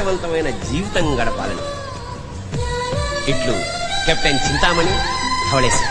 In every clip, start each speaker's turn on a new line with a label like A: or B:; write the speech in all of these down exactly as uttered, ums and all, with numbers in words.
A: ఆదర్శవంతమైన జీవితం గడపాలని. ఇట్లు కెప్టెన్ చింతామణి, ధవళేశ్వరి.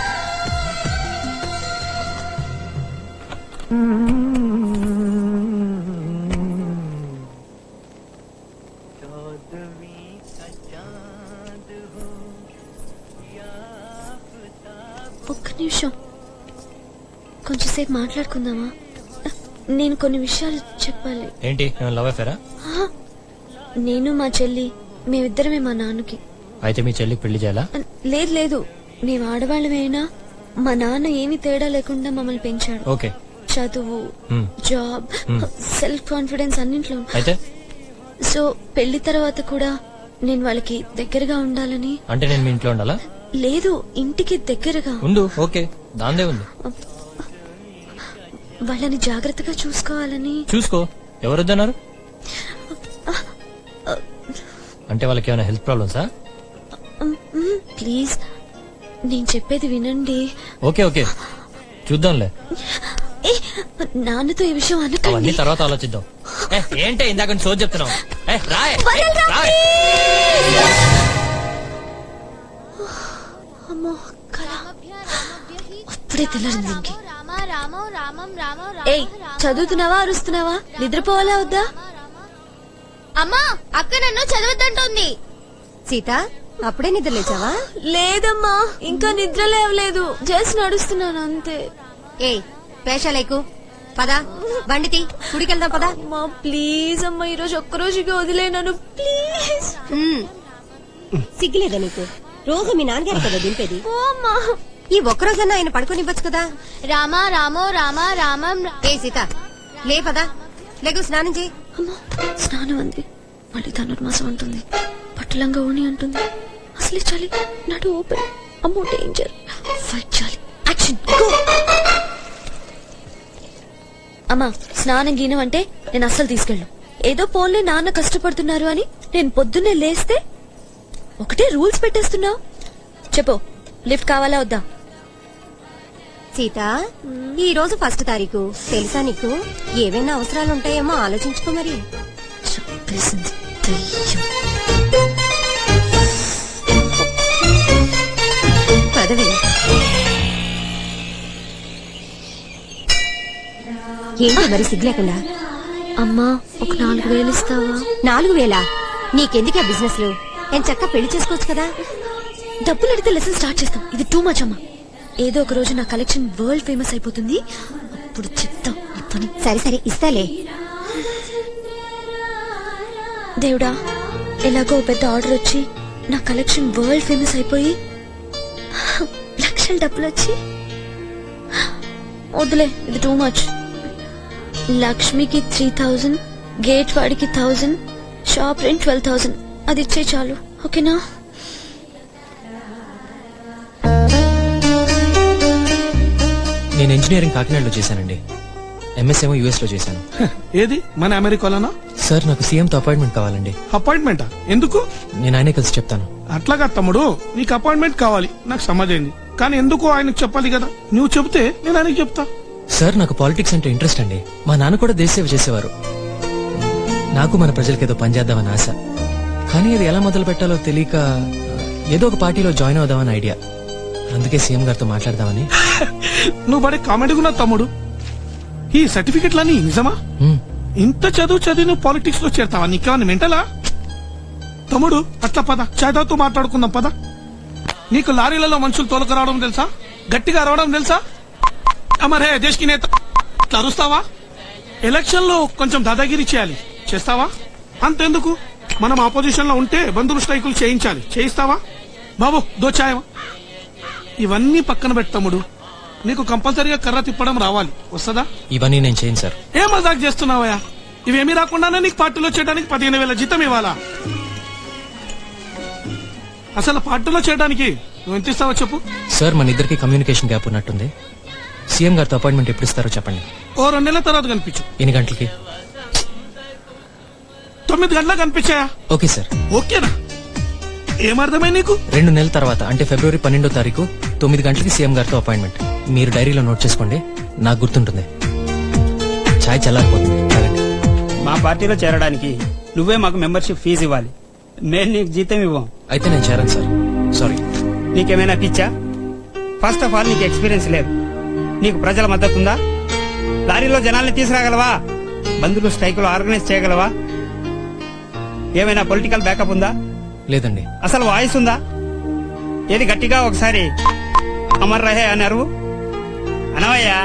B: ఒక్క నిమిషం, కొంచెంసేపు మాట్లాడుకుందామా? నేను కొన్ని విషయాలు చెప్పాలి.
C: ఏంటి, లవ్ అఫేరా?
B: నేను మా చెల్లి మేమిద్దరమే మా నాన్నకి.
C: అయితే మీ చెల్లికి పెళ్లి చేయాలా?
B: లేదు లేదు, మేము ఆడవాళ్ళమైనా మా నాన్న ఏమీ తేడా లేకుండా మమ్మల్ని పెంచాడు.
C: ఓకే.
B: చదువు, జాబ్, సెల్ఫ్ కాన్ఫిడెన్స్ అన్నింట్లో.
C: అయితే
B: సో పెళ్లి తర్వాత కూడా నేను వాళ్ళకి దగ్గరగా ఉండాలని.
C: అంటే నేను మీ ఇంట్లో ఉండాలా?
B: లేదు, ఇంటికి దగ్గరగా
C: ఉండు. ఓకే, దాందే ఉంది.
B: వాళ్ళని జాగ్రత్తగా చూసుకోవాలని.
C: చూసుకో, ఎవరొద్దన్నారు? అంటే వాళ్ళకి ఏమైనా హెల్త్ ప్రాబ్లమ్సా?
B: ప్లీజ్, నేను చెప్పేది వినండి.
C: ఓకే ఓకే, చూద్దాంలే.
B: ఏ, నాన్నతో ఈ విషయం
C: అవన్నీ
B: అనకండి.
C: తర్వాత ఆలోచిద్దాం. ఏ, ఏంటే ఇందాక నుంచి సోది చెప్తున్నావు? ఏ, రాయ్, ఏ, రాయ్.
B: అమ్మో, కళ. అప్పుడే తెల్లారింది ఇంకి. ఏయ్, చదువుతున్నావా అరుస్తున్నావా? నిద్రపోవాలా వద్దా?
D: అమ్మా, అక్క నన్ను చదవద్దంటోంది.
E: సీత, అప్పుడే నిద్ర లేచావా?
B: లేదమ్మా, ఇంకా నిద్ర లేవలేదు, జస్ట్ నడుస్తున్నాను అంతే.
E: ఏ పేషాలేకు పదా, బండితి గుడికెళ్దాం పదా.
B: అమ్మా ప్లీజ్ అమ్మా, ఈ రోజు ఒక్కరోజుకి వదిలేనాను ప్లీజ్.
E: సిగ్గులేదా నీకు? రోజు మీ నాన్నగారు కదా దింపేది.
B: ఓ అమ్మా,
E: ఈ ఒక్కరోజన్నా ఆయన పడుకోనివ్వచ్చు కదా.
D: రామా రామో రామా రామం.
E: ఏ సీత, లే పదా, లేకు స్నానం చేయి.
B: అమ్మా స్నానం అంది, మళ్ళీ ధనుర్మాసం అంటుంది, పట్టులంగా ఓణి అంటుంది. అసలే చాలి, నడు ఓపెన్. అమ్మో డేంజర్, ఫైట్ చాలి, యాక్షన్ గో. అమ్మా స్నానం గీనం అంటే నేను అస్సలు తీసుకెళ్ళను. ఏదో పోన్లే నాన్న కష్టపడుతున్నారు అని నేను పొద్దున్నే లేస్తే ఒకటే రూల్స్ పెట్టేస్తున్నావు. చెప్పు, లిఫ్ట్ కావాలా వద్దా?
E: సీత, ఈ రోజు ఫస్ట్ తారీఖు తెలుసా నీకు? ఏవైనా అవసరాలు ఉంటాయేమో ఆలోచించుకో మరి.
B: చెప్పేసింది దెయ్యం.
E: పదవి ఏంటి మరి సిగ్గు లేకుండా?
B: అమ్మా ఒక నాలుగు వేలు ఇస్తావా?
E: నాలుగు వేలా? నీకెందుకు ఆ బిజినెస్ లో? నేను చక్క పెళ్లి చేసుకోవచ్చు కదా.
B: డబ్బులు అడిగితే లెసన్ స్టార్ట్ చేస్తాం, ఇది టూ మచ్ అమ్మా. ఏదో ఒక రోజు నా కలెక్షన్ వరల్డ్ ఫేమస్ అయిపోతుంది, అప్పుడు చెప్తాం ఈ పని.
E: సరే సరే ఇస్తాలే.
B: దేవుడా, ఎలాగో పెద్ద ఆర్డర్ వచ్చి నా కలెక్షన్ వరల్డ్ ఫేమస్ అయిపోయి లక్షల డబ్బులు వచ్చి, వద్దులే ఇది టూ మచ్. లక్ష్మికి త్రీ థౌజండ్, గేట్ వాడికి thousand, shop rent twelve thousand, అది ఇచ్చే చాలు. ఓకేనా?
C: నేను ఇంజనీరింగ్ కాకినాడలో చేశానండి, ఎంఎస్ ఏమో యూఎస్ లో చేశాను.
F: ఏది మన అమెరికాలోనా?
C: సార్ నాకు సీఎం తో అపాయింట్మెంట్ కావాలండి.
F: అపాయింట్మెంటా? ఎందుకు?
C: నేను ఆయనే కలిసి చెప్తాను.
F: అట్లాగా తమ్ముడు, నీకు అపాయింట్మెంట్ కావాలి నాకు సమాజైంది, కానీ ఎందుకు ఆయనకు చెప్పాలి కదా. నువ్వు చెప్తే నేను ఆయనకి చెప్తా.
C: సార్ నాకు పాలిటిక్స్ అంటే ఇంట్రెస్ట్ అండి. మా నాన్న కూడా దేశ సేవ చేసేవారు. నాకు మన ప్రజలకి ఏదో పనిచేద్దామని ఆశ, కానీ అది ఎలా మొదలు పెట్టాలో తెలియక ఏదో ఒక పార్టీలో జాయిన్ అవుదామని ఐడియా. అందుకే సీఎం గారితో మాట్లాడదామని.
F: నువ్వు బడే కామెడీగా తమ్ముడు. ఈ సర్టిఫికెట్లన్నీ నిజమా? ఇంత చదువు చదివి నువ్వు పాలిటిక్స్ లో చేరతావా? నీకేమన్నా మెంటలా? తమ్ముడు అట్లా పద, చేతతో మాట్లాడుకుందాం పద. నీకు లారీలలో మనుషులు తోలుకురావడం తెలుసా? గట్టిగా అరవడం తెలుసా? అమరే దేశ్ కి నేత ఇట్లా అరుస్తావా? ఎలక్షన్ లో కొంచెం దాదాగిరి చేయాలి, చేస్తావా? అంతెందుకు, మనం ఆపోజిషన్ లో ఉంటే బంధువులు స్ట్రైకులు చేయించాలి, చేయిస్తావా? బాబు దోచాయమా? ఇవన్నీ పక్కన పెట్టు తమ్ముడు, నీకు కంపల్సరీగా కర్ర తిప్పడం రావాలి, వస్తుందా?
C: ఇవన్నీ నేను చేయను సార్.
F: ఏం మజాక్ చేస్తున్నావయ్యా? ఇవేమీ రాకుండానే నీకు పార్టీలో చేయడానికి పదిహేను వేల జీతం ఇవ్వాలా? అసలు పార్టీలో చేయడానికి నువ్వు ఎంత ఇస్తావో చెప్పు.
C: సార్ మన ఇద్దరికి కమ్యూనికేషన్ గ్యాప్ ఉన్నట్టుంది. సీఎం గారితో అపాయింట్మెంట్ ఎప్పుడు ఇస్తారో చెప్పండి.
F: ఓ రెండు నెలల తర్వాత కనిపించు.
C: ఎన్ని గంటలకి?
F: తొమ్మిది గంటలకు కనిపించాయా?
C: Okay sir.
F: ఓకేనా? ఏమర్థమై నీకు?
C: రెండు నెలల తర్వాత అంటే ఫిబ్రవరి పన్నెండో తారీఖు తొమ్మిది గంటలకి సీఎం గారితో అపాయింట్మెంట్. మీరు డైరీలో నోట్ చేసుకోండి, నాకు గుర్తుంటుంది. ఛాయ్ చల్లారిపోతుంది.
G: మా పార్టీలో చేరడానికి నువ్వే మాకు మెంబర్షిప్ ఫీజు ఇవ్వాలి. మేము నీకు జీతం ఇవ్వం.
C: అయితే నేను చేరను సార్, సారీ.
G: నీకేమైనా పిచ్చా? ఫస్ట్ ఆఫ్ ఆల్ నీకు ఎక్స్పీరియన్స్ లేదు. నీకు ప్రజల మద్దతు ఉందా? లారీలో జనాల్ని తీసుకురాగలవా? బంధువులు స్ట్రైకులు ఆర్గనైజ్ చేయగలవా? ఏమైనా పొలిటికల్ బ్యాకప్ ఉందా?
C: లేదండి.
G: అసలు వాయిస్ ఉందా? ఏది గట్టిగా ఒకసారి అమర్ రహే అన్నారు అనవయ్యా.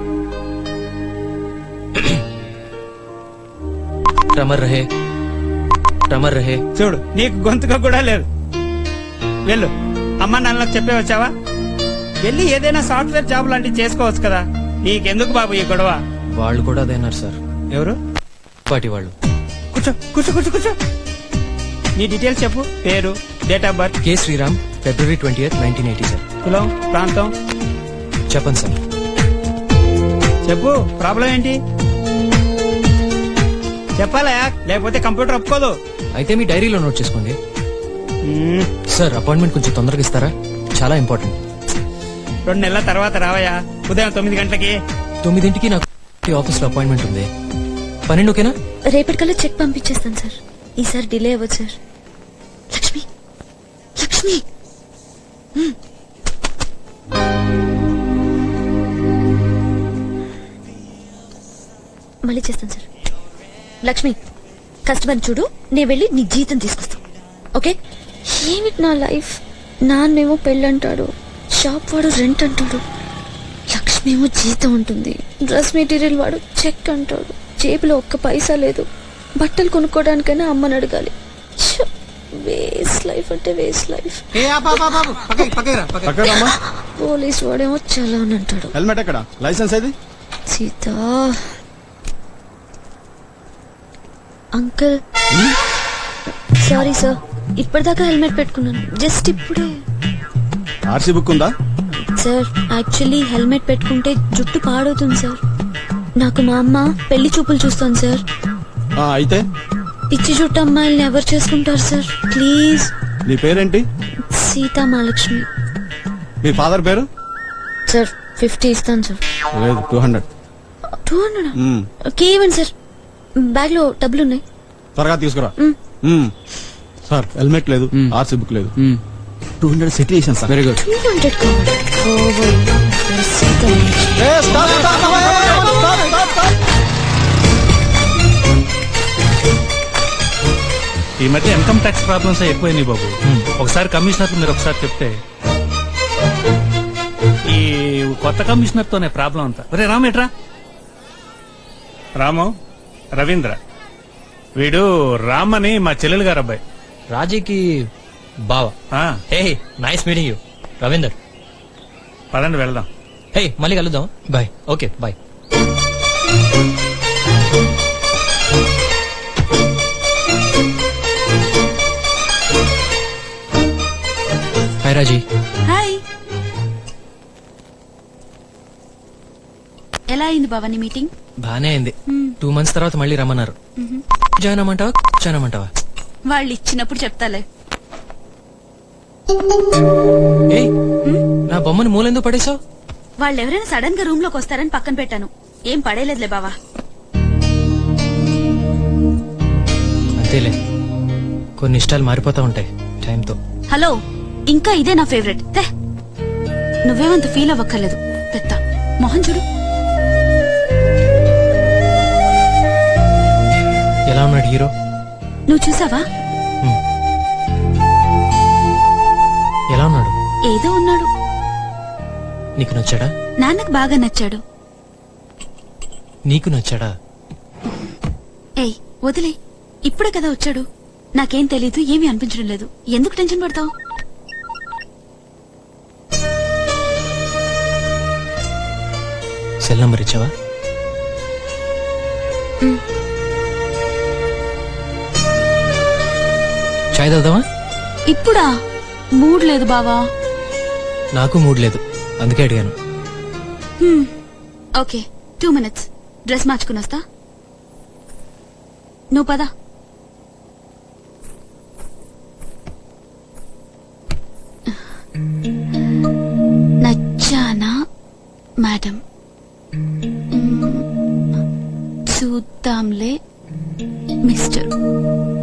C: రమర్ రహే, రమర్ రహే.
G: చూడు, నీకు గొంతుగా కూడా లేదు. వెళ్ళు, అమ్మ నాన్నలకు చెప్పే వచ్చావా? వెళ్ళి ఏదైనా సాఫ్ట్వేర్ జాబ్ లాంటివి చేసుకోవచ్చు కదా. నీకెందుకు బాబు ఈ గొడవ?
C: వాళ్ళు కూడా అదేనారు సార్.
G: ఎవరు?
C: పార్టీ వాళ్ళు.
G: కూర్చో కూర్చో కూర్చో కూర్చో. నీ డీటెయిల్స్ చెప్పు. పేరు, date of birth.
C: K Sriram, February twenty eighth nineteen eighty sir.
G: కులం, ప్రాంతం
C: చెప్పండి సార్.
G: చెప్పు. ప్రాబ్లం ఏంటి చెప్పాలా? లేకపోతే కంప్యూటర్ ఒప్పుకోదు.
C: అయితే మీ డైరీలో నోట్ చేసుకోండి.
G: మ్మ్.
C: సార్, అపాయింట్మెంట్ కొంచెం తొందరగా ఇస్తారా? చాలా ఇంపార్టెంట్.
G: రెండు నెలల తర్వాత రావయ్యా, ఉదయం తొమ్మిది గంటలకి.
C: తొమ్మిదింటికి నాకు ఆఫీస్ లో అపాయింట్మెంట్ ఉంది. పన్నెండు ఓకేనా?
B: రేపటికల్లా చెక్ పంపించేస్తాను సార్. ఈసారి డిలే అవ్వదు సార్. లక్ష్మి, లక్ష్మి. హ్మ్. మళ్ళీ చేస్తాను సార్. లక్ష్మి, కస్టమర్ చూడు, నేను వెళ్ళి నీ జీతం తీసుకొస్తాను. ఓకే? ఏమిటి నా లైఫ్? నాన్నేమో పెళ్ళంటాడు, షాప్ వాడు రెంట్ అంటాడు, లక్ష్మి ఏమో జీతం ఉంటుంది, డ్రెస్ మెటీరియల్ వాడు చెక్ అంటాడు, జేబులో ఒక్క పైసా లేదు, బట్టలు కొనుక్కోవడానికైనా అమ్మని అడగాలి. వేస్ట్ లైఫ్ అంటే వేస్ట్ లైఫ్. పోలీస్ వాడేమో చలాన్ అంటాడు.
H: హెల్మెట్ ఎక్కడ? లైసెన్స్ ఏది?
B: సీత అంకుల్, సారీ సార్, ఇప్పటిదాకా హెల్మెట్ పెట్టుకున్నాను, జస్ట్ ఇప్పుడే.
H: ఆర్సీ బుక్ ఉందా?
B: సార్, యాక్చువల్లీ హెల్మెట్ పెట్టుకుంటే జుట్టు పాడవుతుంది సార్. నాకు మా అమ్మ పెళ్లి చూపులు చూస్తాను సార్.
H: ఆ, అయితే
B: పిచ్చి జుట్టు అమ్మాయిల్ని ఎవరు చేసుకుంటారు సార్? ప్లీజ్.
H: నీ పేరేంటి?
B: సీతా మహాలక్ష్మి.
H: మీ ఫాదర్ పేరు?
B: సార్, ఫిఫ్టీ ఇస్తాను సార్.
H: లేదు, two hundred.
B: Two hundred okay, ఇవ్వండి సార్. బ్యాగ్ లో డబ్బులు ఉన్నాయి.
H: త్వరగా తీసుకురా.
B: మ్.
H: మ్. సార్, హెల్మెట్ లేదు, ఆర్సీ బుక్ లేదు. టూ హండ్రెడ్ సెటిల్ చేశాను sir. Very good.
B: Two hundred కావాలి. ఓవర్. సీతా మహాలక్ష్మి.
I: ఈ మధ్య ఇన్కమ్ ట్యాక్స్ ప్రాబ్లమ్స్ ఎక్కువైనాయి బాబు. ఒకసారి కమిషనర్ మీరు ఒకసారి చెప్తే. ఈ కొత్త కమిషనర్ తోనే ప్రాబ్లం అంతా. ఒరే రాము, ఎట్రా? రాము, రవీంద్ర, వీడు రామ్ అని మా చెల్లెలు గారు అబ్బాయి.
C: రాజీకి బావా? Hey, nice meeting you Ravinder.
I: పదండి వెళ్దాం.
C: హే, మళ్ళీ కలుద్దాం. Bye. Okay, bye. Hi Raji.
J: Hi. ఎలా అయింది భవాని మీటింగ్?
C: బానే అయింది. టూ మంత్స్ తర్వాత మళ్ళీ రమ్మన్నారు. జాయిన్ అమ్మంటావా, జాయిన్ అమ్మంటావా?
J: వాళ్ళు ఇచ్చినప్పుడు చెప్తాలే.
C: ఏయ్, నా బొమ్మను మూలెందుకు పడేసావు?
J: వాళ్ళు ఎవరైనా సడన్ గా రూమ్ లోకి వస్తారని పక్కన పెట్టాను. ఏం పడేలేదులే బావా.
C: అంతేలే, కొన్ని ఇష్టాలు మారిపోతా ఉంటాయి టైంతో.
J: హలో, ఇంకా ఇదే నా ఫేవరెట్. తే, నువ్వేమంత ఫీల్ అవ్వక్కర్లేదు. పెద్ద మొహం చూడు.
C: ఎలా ఉన్నాడు హీరో?
J: నువ్వు చూసావా?
C: ఎలా ఉన్నాడు?
J: ఏదో ఉన్నాడు.
C: నీకు నచ్చాడా?
J: నాన్నకు బాగా నచ్చాడు.
C: నీకు నచ్చాడా?
J: ఏయ్ వదిలే, ఇప్పుడే కదా వచ్చాడు. నాకేం తెలీదు, ఏమీ అనిపించడం లేదు. ఎందుకు టెన్షన్ పడతావు?
C: సెల్ నంబర్ ఇచ్చావా? చాయ్ తాగుదామా?
J: ఇప్పుడా? మూడ్ లేదు బావా.
C: నాకు మూడ్ లేదు, అందుకే అడిగాను.
J: హ్మ్, ఓకే, టూ మినిట్స్ డ్రెస్ మార్చుకుని వస్తా. నువ్వు పదా. నచ్చానా మేడం? మ్మ్, చూద్దాంలే మిస్టర్.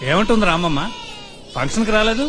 I: ఏమంటుంది రామమ్మ ఫంక్షన్కి రాలేదు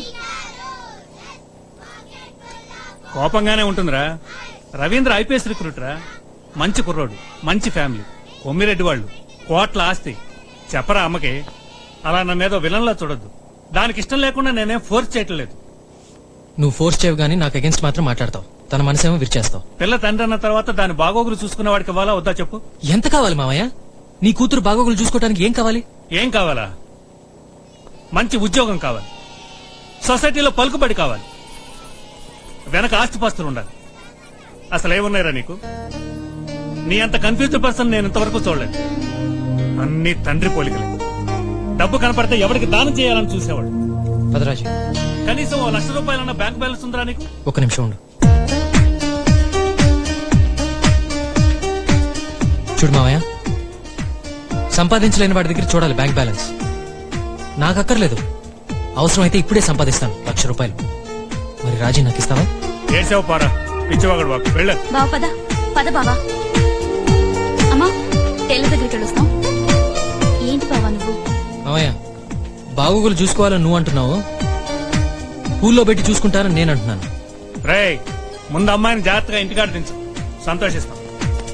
I: కోపంగానే ఉంటుందిరా. రవీంద్ర ఐపీఎస్ రిక్రూట్ రా, మంచి కుర్రోడు, మంచి ఫ్యామిలీ, కొమ్మిరెడ్డి వాళ్ళు, కోట్ల ఆస్తి. చెప్పరా అమ్మకి, అలా నన్నేదో విలన్లా చూడొద్దు. దానికి ఇష్టం లేకుండా నేనేం ఫోర్స్ చేయటం లేదు.
C: నువ్వు ఫోర్స్ చేయవు గానీ నాకు అగేన్స్ట్ మాత్రం మాట్లాడతావు. తన మనసేమో విరిచేస్తావు.
I: పిల్ల తండ్రి అన్న తర్వాత దాని బాగోగులు చూసుకునే వాడికి ఇవ్వాలా వద్దా చెప్పు.
C: ఎంత కావాలి మావయ్య? నీ కూతురు బాగోగులు చూసుకోవడానికి ఏం కావాలి?
I: ఏం కావాలా? మంచి ఉద్యోగం కావాలి, సొసైటీలో పలుకుబడి కావాలి, వెనక ఆస్తిపాస్తులు ఉండాలి. అసలు ఏమున్నాయిరా నీకు? నీ అంత కన్ఫ్యూజ్డ్ పర్సన్ నేను ఇంతవరకు చూడలేదు. అన్ని తండ్రి పోలికలే. డబ్బు కనపడితే ఎవరికి దానం చేయాలని చూసేవాడు.
C: పదరాజు,
I: కనీసం ఓ లక్ష రూపాయలన్న బ్యాంక్ బ్యాలెన్స్ ఉందిరా నీకు?
C: ఒక నిమిషం ఉండు. చూడు మావయ్య, సంపాదించలేని వాడి దగ్గర చూడాలి బ్యాంక్ బ్యాలెన్స్. నాకు అక్కర్లేదు. అవసరమైతే ఇప్పుడే సంపాదిస్తాను లక్ష రూపాయలు. మరి రాజీ నాకు ఇస్తావా?
I: ఏడ్చావు పారా, పిచ్చివాగడు బాబు. వెళ్ళ
J: బావ పద పద బావా. అమ్మా టైలర్ దగ్గరికి వెళ్ళొస్తాం. ఏంటి బావా నువ్వు?
C: మావయ్య, బాగోగులు చూసుకోవాలని నువ్వు అంటున్నావు, పూల్లో పెట్టి చూసుకుంటానని నేను అంటున్నాను.
I: రేయ్, ముందు అమ్మాయిని జాగ్రత్తగా ఇంటికాడ దించు, సంతోషిస్తాం.